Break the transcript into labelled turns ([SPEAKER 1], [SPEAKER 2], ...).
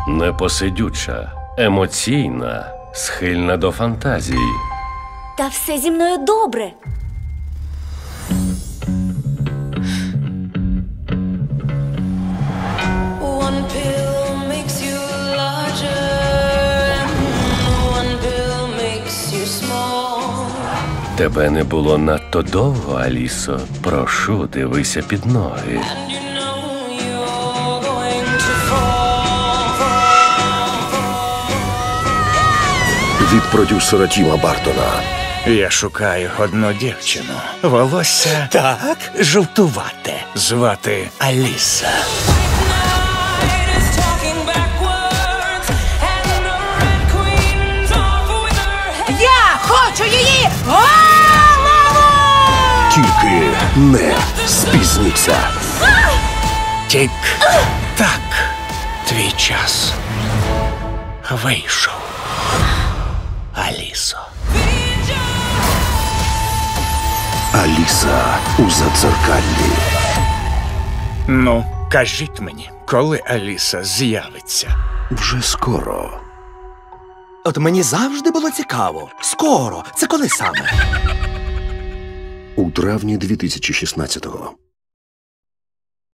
[SPEAKER 1] Непосидюча, емоційна, схильна до фантазії.
[SPEAKER 2] Та все зі мною добре.
[SPEAKER 1] Тебе не було надто довго, Алісо. Прошу, дивися під ноги.
[SPEAKER 3] Від продюсера Тіма Бартона.
[SPEAKER 4] Я шукаю одну дівчину. Волосся
[SPEAKER 5] Так?
[SPEAKER 4] жовтувате. Звати Аліса.
[SPEAKER 5] Я хочу її голову!
[SPEAKER 3] Тільки не спізніться.
[SPEAKER 4] Тік-так. Твій час вийшов. Алісо.
[SPEAKER 3] Аліса у Задзеркаллі.
[SPEAKER 4] Ну, кажіть мені, коли Аліса з'явиться?
[SPEAKER 3] Вже скоро.
[SPEAKER 5] От мені завжди було цікаво. Скоро. Це коли саме?
[SPEAKER 3] У травні 2016-го.